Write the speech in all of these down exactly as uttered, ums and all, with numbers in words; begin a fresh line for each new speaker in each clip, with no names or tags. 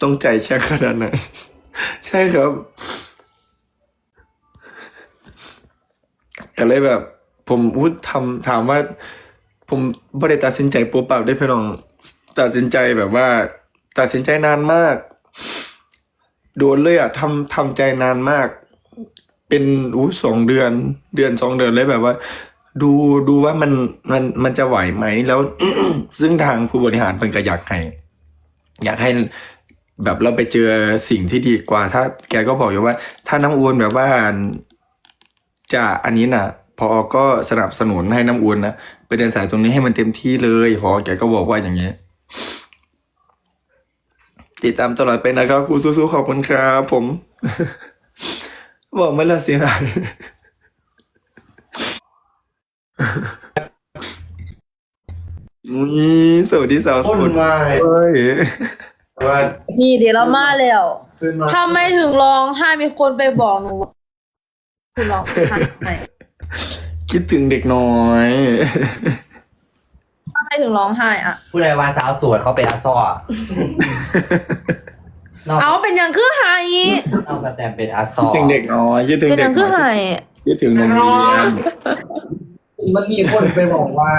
ต้องใจแช่ขนาดไหน ใช่ครับ ก็เลยแบบ ผมพูดทำถามว่า ผมไม่ได้ตัดสินใจปุ๊บปั๊บได้พี่น้องตัดสินใจแบบว่า ตัดสินใจนานมากโดนเลยอ่ะทำทำใจนานมาก เป็นอู้สองเดือน เดือนสองเดือนเลยแบบว่า ดูดูว่ามันมันมันจะไหวไหมแล้ว ซึ่งทางผู้บริหารเพิ่นก็อยากให้ อยากให้แบบเราไปเจอสิ่งที่ดีกว่า ถ้าแกก็บอกอยู่ว่า ถ้าน้ำอุ่นแบบว่าจะอันนี้น่ะ พอก็สนับสนุนให้น้ำอุ่นนะไปเดินสายตรงนี้ให้มันเต็มที่เลยพอแกก็บอกว่าอย่างนี้ ติดตามตลอดไปนะครับครูสู้ๆขอบคุณครับผม บอกไม่ละเสียหาย นี่สวัสดีสาวโส
คน
ด
มา
เฮ้ย
ว่า
นี่เดี๋ยวเรามาแล้ว
ขึ้นมา
ถ้าไม่ถึงร้องไห้มีคนไปบอกหนูว่าคุณร้องไห้
คิดถึงเด็กน้อย
ถ้าไม่ถึงร้องไห้อะ
ผู้ใดว่าสาวสวยเขาเป็นอาซ้อนอก
เอาเป็นอย่างคือไห้
นอกจากแต่เป็นอาซ้อ
คิดถึงเด็กน้อยคิดถึง
เป็นอ
เด็
ย่าก งคือ
น้อ
ไห้
ยคิดถึงนมเรียน
มันมีคนไปบอกว่า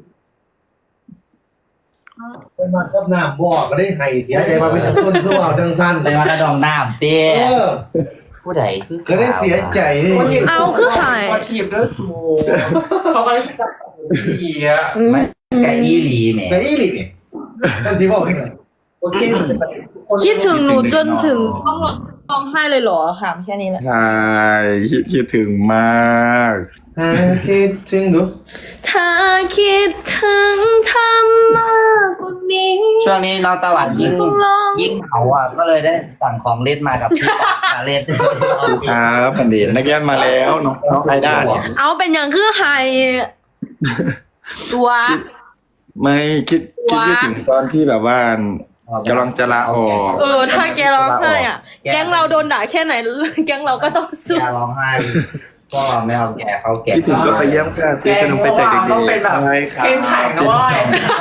ไปมากับน้ำบอกก็ได้ไห้เสียใจมาเป็นต้นเพื่อเอาจังสั้น
ไปวัดระดองน้ำเต้
เออ
ผู้ใดคือ
ก็ได้เสียใจนี่
เอาคือไห้
ว่าทีมเลือดสูงเขาก็เลยจับเสีย
ไม่แกอีหลีแหม
แต่อีหลีนี่ท่านสิบอกให้หน่อย
โอเค
คิดถึงหนูจนถึงต้องร้องไห้เลยเหรอถามแค่นี้แหละ
ใช่คิดคิดถึงมาก
หาคิดถึงดู
ถ้าคิดถึงทำมากกว่านี้
ช่วงนี้น้องตะวันยิ่ง
ต้องลอง
ยิ่งเหงาอ่ะก็เลยได้สั่งของเล่นมากับพี่ปอกมาเล่น
ครับพันเดชนักเรียนมาแล้วน้องน้องไอด้าเนี่ย
เอาเป็นอย่างคือไห้ตัว
ไม่คิดคิดคิดถึงตอนที่แบบว่ากำลังจะลาออก
เออถ้าแกร้องไห้อ่ะ แก๊งเราโดนด่าแค่ไหน แก๊งเราก็ต้องสู้
อย่าร้องไห้ก็ไม่เอาแกเขาแก่
คิดถึงก็ไปเยี่ยมค่ะซื้อขนมไปแจกเด็ก
ต้องเป็น
ๆ
แบบ
ใช่ครับ
เข้มแข็งนะเว้ย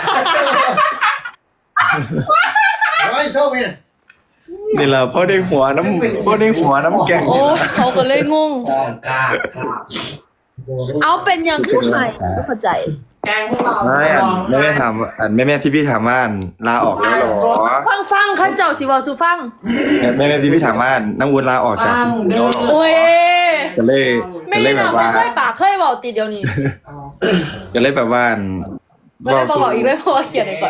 โอ้ยชอบเนี่ย
นี่แหละพ่อได้หัวน้ำพ่อได้หัวน้ำแกง
โอ้เขาก็เลยงง
กล้า
เอาเป็นอย่างคือไห้ไม่เข้าใจ
แกงพวกเรา
ไม่อันแม่แม่ถามอันแม่แม่พี่พี่ถามว่าอันลาออกแล้วเหรอ
ฟังฟังข้าเจ้าสิเวาสู่ฟัง
แม่แม่แม่พี่พี่ถามว่าน้ำวุ้นลาออกจากคุณแล้วเหรอ
โอ้ย
ก็เลย
ไม่
ก็เลย
ได้
แบบ
ไม่
ว่า
ค่อยปากเคยเบาติดเดียวนี้
ก็เลยแบบว่า
ไม่ได้บอกอีกเลยเพราะว่าเขียนในก่อย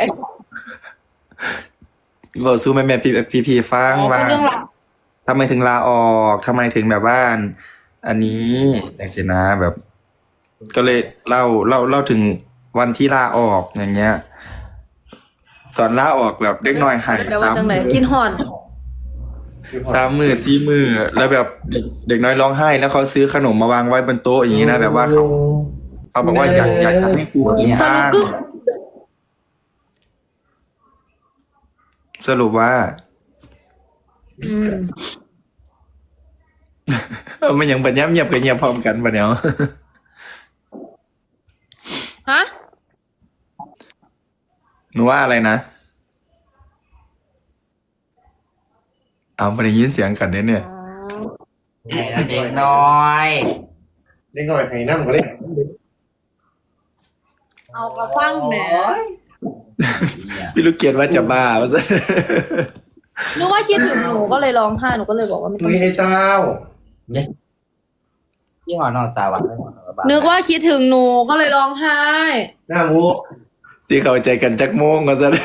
บอกสู้แม่แม่พี่พี่พี่ฟังว่า
เป็นเรื่องราว
ทำไมถึงลาออกทำไมถึงแบบว่าอันนี้อย่างสินะแบบ ก็เลยเล่าเล่าเล่าถึงวันที่ลาออกอย่างเงี้ย ตอนลาออกแบบเด็กน้อยหาย
แต่ว่า
ซ้ำ
จังไหนกินหอน
สามมือสี่มือแล้วแบบเด็กเด็กน้อยร้องไห้ แล้วเขาซื้อขนมมาวางไว้บนโต๊ะอย่างนี้นะแบบว่าเขาเขาบอกว่าอยากอยากจะให้ครูคืน
ส
บ้า
รุป
ง
คือ
สรุปว่า
อืม
มันยังปัญญาเงียบกับเงียบพร้อมกันปะเนี่ย
ฮะ
หนูว่าอะไรนะเอาไปได้ยินเสียงกันเนี่ยเนี่ย
เด็กน้อย
เด็กหน่อยไห้น้ำก็เลย
เอากระฟังแหม
พี่ลูกเกียรติว่าจะบ้าว่าซะ
นึกว่าคิดถึงหนูก็เลยร้องไห้หนูก็เลยบอกว่าไม่ต้อง
มีไอ้เต้า
ที่หอนอกตาหวาน
นึกว่าคิดถึงหนูก็เลยร้องไห้
หน้ามู
ที่เข้าใจกันจักโมงก็ซะ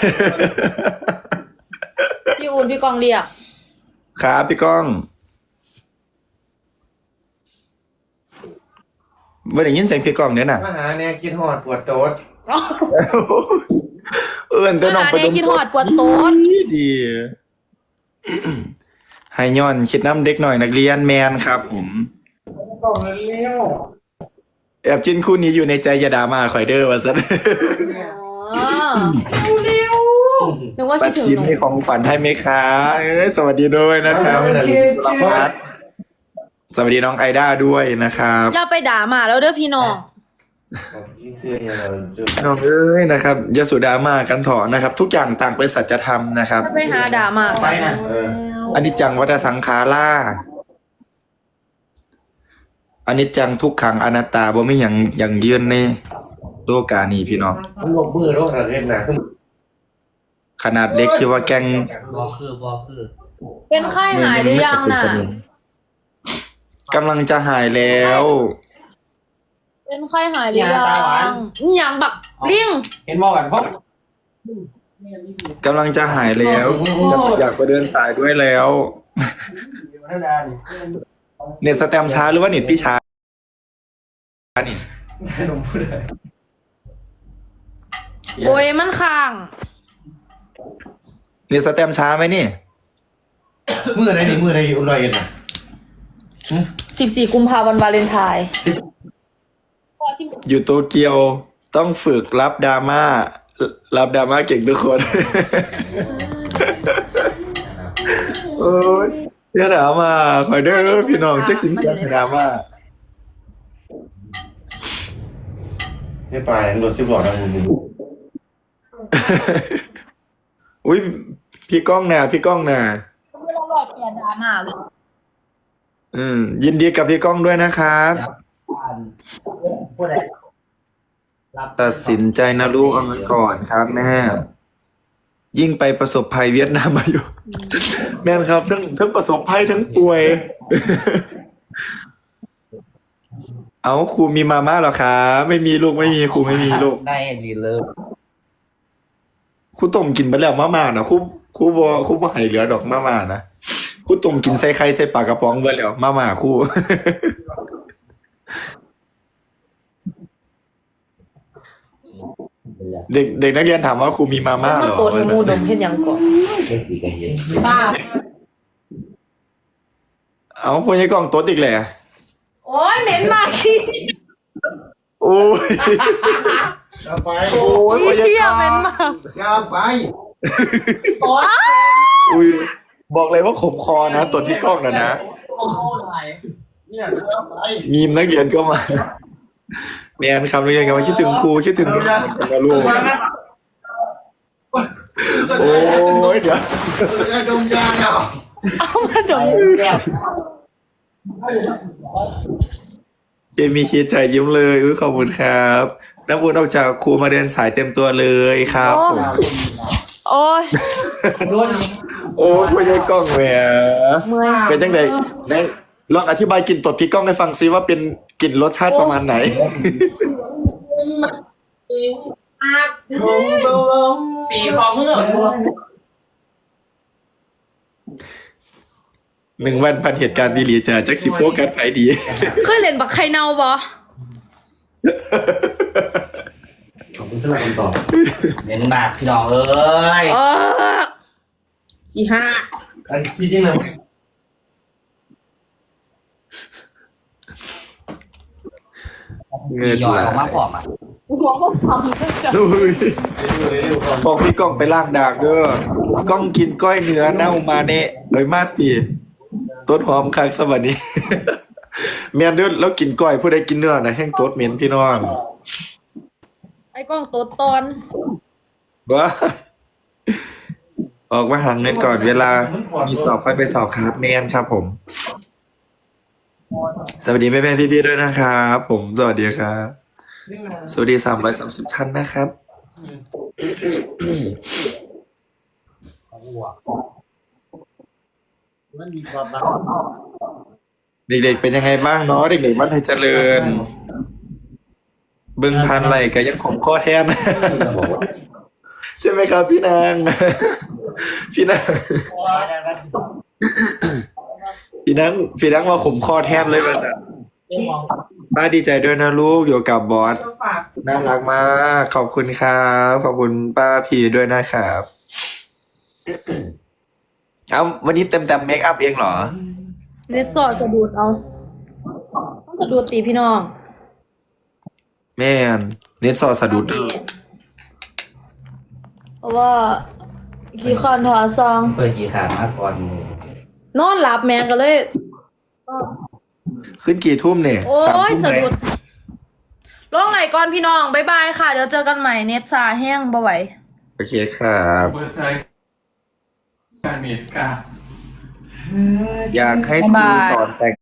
พี่อุ่นพี่กองเรียก
ครับพี่ก้องว่าได้ยินเสียงพี่ก้องเนี่ยน่ะ
มาหาแน่กินหอดปวดโต๊ด
เอื้อนตัวน้อง
อา
ไป
ได้
ดม
คิดหอดปวดโต๊ด
ดี ให้ย้อนคิดน้ำเด็กหน่อยนักเรียนแมนครับผม
กล่องเลี้ยว
แอบจิ้นคู่นี้อยู่ในใจอยาดามาคอยเดอร์ว่าซะ
อ๋อนึกว่า
ปั
คิ
ด
ดถึง
ชิม
หนู
ให้ของขวัญให้ไหมคะเอ้ยสวัสดีด้วยนะครับพัดสวัสดีน้องไอด้าด้วยนะครับ
อย่าไปด่าหมาแล้วเด้อพี่น้อง
เสื้อเนี่ยเราจะ
พี่น้องเอ้ยนะครับอยาสุดรามากันเถอะนะครับ ทุกอย่างต่างเป็นสัจธรรมนะครับ
ถ้าไปหาด่ามา
ไปนะ
เออ
อนิจจังวัฏสังขาราอนิจจังทุกขังอนัตตาบ่มีหยังหยังยืนในโลกานี้พี่น้อง
มันลงมือแล้วอะไรนะ
ขนาดเล็กที่ว่าแกล้ง
บอคือบอคือ
เป็นไข้หายหรือยัง
ไม่
น่ะ
เคยเป็นสนิมกำลังจะหายแล้ว
เป็นไข้หายหรือยังยังแบบลิง
เห็นมองกันเพราะ
กำลังจะหายแล้ว อยากอยากไปเดินสายด้วยแล้ว
ธรรมดาดิ
เน็ตสแตมป์ช้าหรือว่าเน็ตพี่ช้านี่
ขนมพูดเลย
โอ้ยมันค้าง
เน็ตสแตมป์ช้าไหมนี่
มืออะไรนี่มืออะไรอยู่ลอยกันนะ
สิบสี่กุมภาพันธ์วาเลนไทน์
อยู่โตเกียวต้องฝึกรับดราม่ารับดราม่าเก่งทุกคน โอ้ยเดี๋ยวดราม่าคอยเด้อพี่น้องแจ็คสินแกนดราม่า
ไม่ไปรถสิบล้อดังมึง
อุ้ยพี่ก้องน่ะพี่ก้องน่ะ
ไม่ต้องรอเปลี่ยนดราม่าเลย
อืมยินดีกับพี่ก้องด้วยนะครับ
พูดอะไรรับ
ตัดสินใจนะลูกเอาเงินก่อนครับแม่ยิ่งไปประสบภัยเวียดนามมาอยู่ แม่นครับทั้งทั้งประสบภัยทั้งป่วย เอาครูมีมาม่าเหรอคะไม่มีลูกไม่มีครูไม่มีลูก
ได้รีเลิฟ
ครูต้มกินไปแล้วมาม่านะครูครูบ่ครูบ่ให้เหลือดอกมาม่านะครูต้มกินใส่ไข่ใส่ปลากระป๋องเบิดแล้วมาม่าครู เด็กเด็กนักเรียนถามว่าครูมีมาม่า
มา
เหรอ
โกนมูดมเห็นยังก่อน
ป้า
เอาพวกนี้กล้องโต๊ดอีกแหละ
โอ้ยเหม็นมากขี้
โอ้ย
เอาไป
โอ้ยพวกนี้
เที่ย
กล้อง
เหม็นมาก
กล้าไป
อุ้ยบอกเลยว่าขมคอนะตัวที่กล้องนะนะ
โอ้โหไหนเนี่ย
กล้าไป
มีมนักเรียนก็มาแมนครับนักเรียนก็มาคิดถึงครูคิดถึงกันนะลูกโอ้ยเดี๋ยว
จะดมยาเนาะ
เอามาดม
เจมีคิดใจยิ้มเลยอุ้ยขอบคุณครับน้ำบุญออกจากครูมาเดินสายเต็มตัวเลยครับผม
โอ้ย
โดน
โอ้ยพวกนี้กล้องแหม
เมื่อย
เป็นจังไดไหนลองอธิบายกลิ่นตดพี่ก้องให้ฟังซิว่าเป็นกลิ่นรสชาติประมาณไหน
คงต้องลง
ปีคอมือ
หนึ่งวันพันเหตุการณ์ดีหลีจ้ะแจ็คสิโฟกัสไปดี
เคยเล่นบักไข่เน่าบ่
ขอบคุณสำหรับคำตอบ
เน้นมากพี่น้องเอ้ย
เออสี่ห้า
อันที่จริงนะ
เงิน
หยอด
ไหล
ออกมาผอมอ่ะ
หัวก็พังเลยจ้ะ
อุ้ย
เร็วๆก่อน
บอกพี่ก้องไปล่างดากเด้อกล้องกินก้อยเนื้อเน่ามาเนะโดยมาตีต้นหอมคักสวัสดี เมียนเด้อแล้วกินก้อยผู้ใดกินเนื้อนะแห้งโต๊ดเหม็นพี่น้อง
ไอ้กล้องโต๊ดตอน
ว้าออกมาหาเงินก่อนเวลา มีสอบค่อยไปสอบครับเมนครับผม สวัสดีแม่แม่พี่ๆด้วยนะครับผมสวัสดีครับ สวัสดีสามร้อยสามสิบท่านนะครับ
มันมีความรัก
เด็กๆเป็นยังไงบ้างเนาะเด็กๆบ้านไทยเจริญ เบิ่งพันไหลก็ยังขมข้อแทน ใช่ไหมครับพี่นาง พี่นาง พี่นางพี่นางว่าขมข้อแทนเลยมาสัตว์
เรื่องมอง
ป้าดีใจด้วยนะลูกอยู่กับบอส
ต้องฝาก
น่ารักมากขอบคุณครับขอบคุณป้าพีด้วยนะครับ เอาวันนี้เต็มเต็มเมคอัพเองเหรอ
เน็ตสอดกระดูดเอาต้องกระดูดตีพี่น้อง
แม่นเน็ตซอสสะดุด
เพราะว่าขี้คอนถอซอง
เปิดกี่ขามาก่อนหมู
นอนหลับแมงก็เลย
ขึ้นกี่ทุ่มเนี่ย
โอ้
สาม
ย
ทุ่ม
สะ
ไหม
ดุดลงไหลก่อนพี่น้องบ๊ายบายค่ะเดี๋ยวเจอกันใหม่เน็ตซาแห้งบ่ไหว
โอเคครับ
เปิดใจการเมตกา
อยากให้ครูสอนแต่ง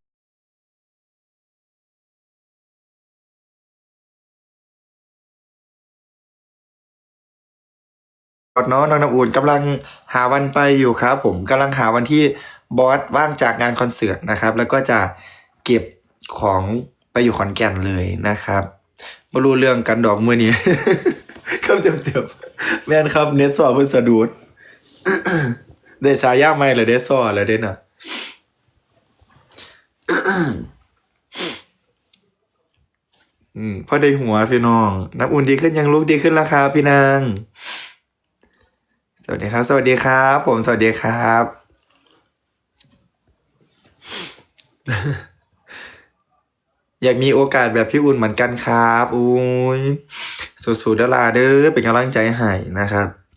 ก่อนเนาะน้องน้ำอุ่นกำลังหาวันไปอยู่ครับ ผมกำลังหาวันที่บอสว่างจากงานคอนเสิร์ตนะครับ แล้วก็จะเก็บของไปอยู่ขอนแก่นเลยนะครับมารู้เรื่องกันดอกมือนี้ เข้าเต็มๆแม่นครับเน็ตสอบเพื่อสะดุด ได้ฉายาใหม่เลยได้สอเลยได้น่ะ อืมพอได้หัวพี่น้องน้ำอุ่นดีขึ้นยังลูกดีขึ้นแล้วครับพี่นางสวัสดีครับ สวัสดีครับ ผมสวัสดีครับ อยากมีโอกาสแบบพี่อุ่นเหมือนกันครับอุ้ยสู้ๆเด้อลาเด้อเป็นกำลังใจให้นะครับ